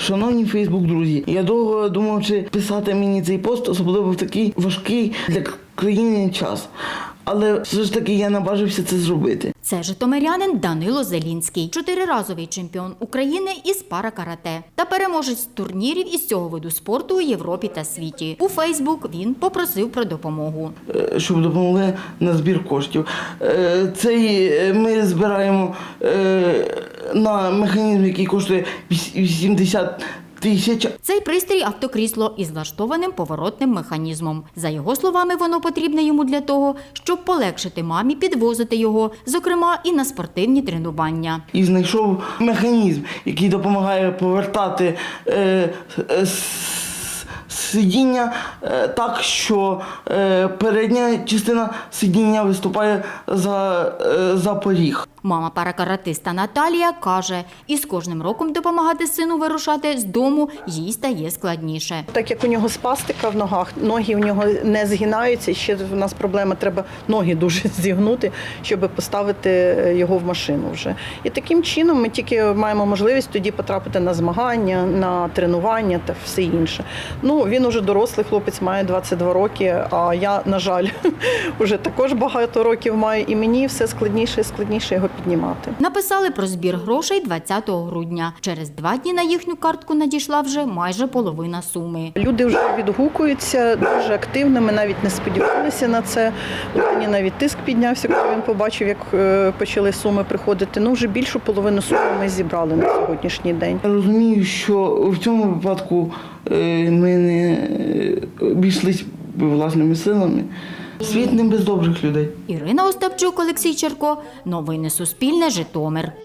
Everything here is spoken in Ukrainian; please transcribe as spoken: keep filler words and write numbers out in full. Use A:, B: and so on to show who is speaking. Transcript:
A: Шановні Фейсбук-друзі, я довго думав, чи писати мені цей пост, особливо в такий важкий для країни час. Але все ж таки я наважився це зробити.
B: Це житомирянин Данило Зелінський, чотириразовий чемпіон України із пара-карате та переможець турнірів із цього виду спорту у Європі та світі. У Фейсбук він попросив про допомогу.
A: Щоб допомогли на збір коштів. Цей ми збираємо на механізм, який коштує вісімдесят тисяч.
B: Цей пристрій – автокрісло із влаштованим поворотним механізмом. За його словами, воно потрібне йому для того, щоб полегшити мамі підвозити його, зокрема і на спортивні тренування.
A: І знайшов механізм, який допомагає повертати е, е, сидіння е, так, що е, передня частина сидіння виступає за, е, за поріг.
B: Мама паракаратиста Наталія каже, із кожним роком допомагати сину вирушати з дому їй стає складніше.
C: Так як у нього спастика в ногах, ноги у нього не згинаються, ще в нас проблема, треба ноги дуже зігнути, щоб поставити його в машину вже. І таким чином ми тільки маємо можливість тоді потрапити на змагання, на тренування та все інше. Ну, він уже дорослий хлопець, має двадцять два роки, а я, на жаль, вже також багато років маю, і мені все складніше і складніше його піднімати.
B: Написали про збір грошей двадцятого грудня. Через два дні на їхню картку надійшла вже майже половина суми.
C: Люди вже відгукуються дуже активно, ми навіть не сподівалися на це. У мені навіть тиск піднявся, коли він побачив, як почали суми приходити. Ну, вже більшу половину суми ми зібрали на сьогоднішній день.
A: Я розумію, що в цьому випадку ми не обійшлися власними силами. Світ не без добрих людей.
B: Ірина Остапчук, Олексій Черко. Новини Суспільне. Житомир.